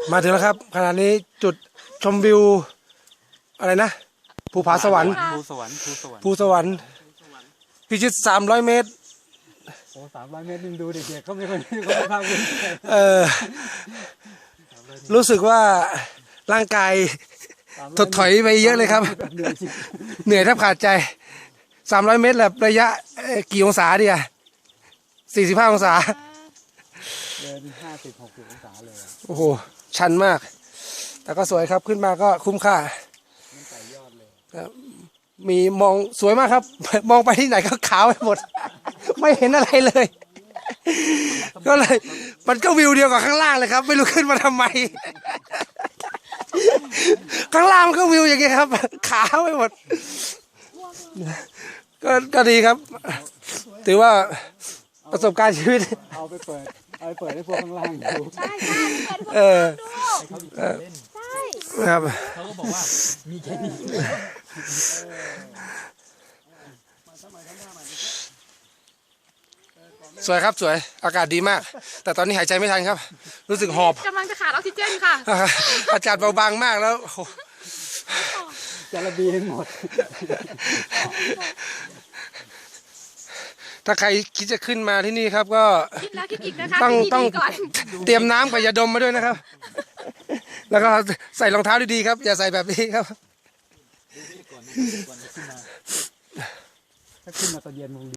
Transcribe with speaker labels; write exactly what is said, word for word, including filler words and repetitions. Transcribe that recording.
Speaker 1: มาถึงแล้วครับขณะนี้จุดชมวิวอะไรนะภูผาสวรรค์
Speaker 2: ภูสวรรค์ภูสวรรค์
Speaker 1: ภูสวรรค์พิชิตสามร้อยเมตร
Speaker 2: โอ้สามร้อยเมตรนึงดูเด็กๆเขาไม่ค่อยเขาไม่ภาคภูมิใจ
Speaker 1: เออรู้สึกว่าร่างกายถดถอยไปเยอะเลยครับ เหนื่อยแทบขาดใจสามร้อยเมตรแบบระยะกี่องศาดีอะสี่สิบห้าองศา
Speaker 2: เดินห้าสิบหกสิบองศาเลย
Speaker 1: โอ้โหชันมากแต่ก็สวยครับขึ้นมาก็คุ้มค่ามีมองสวยมากครับ มองไปที่ไหนก็ขาวไปหมด ไม่เห็นอะไรเลย ก็เลยมันก็วิวเดียวกับข้างล่างเลยครับไม่รู้ขึ้นมาทำไม ข้างล่างมันก็วิวอย่างเงี้ยครับขาวไปหมดก็ก็ดีครับถือว่าประสบการณ์ชีวิต
Speaker 2: เอาไปเปิดเอาไปเปิดให้พวกข้างล่างดู
Speaker 3: ใช่ใช่
Speaker 1: เออ
Speaker 3: ใช่
Speaker 1: ครับ
Speaker 2: เขาก็บอกว่ามีแค่นี้
Speaker 1: สวยครับสวยอากาศดีมากแต่ตอนนี้หายใจไม่ทันครับรู้สึกหอบ
Speaker 3: กำลังจะขาดออกซิเจนค่ะ
Speaker 1: อากาศเบาบางมากแล้ว
Speaker 2: จะระเบียงหมด
Speaker 1: ถ้าใครคิดจะขึ้นมาที่นี่ครับก็
Speaker 3: คิดแล้วคิดอีกนะคะ
Speaker 1: ต้องต้อง
Speaker 3: ก่อน
Speaker 1: เตรียมน้ำกับยาดมมาด้วยนะครับ แล้วก็ใส่รองเท้าดีๆครับอย่าใส่แบบนี้ครับ
Speaker 2: ถ้าขึ้นมาตอนเย็นมึง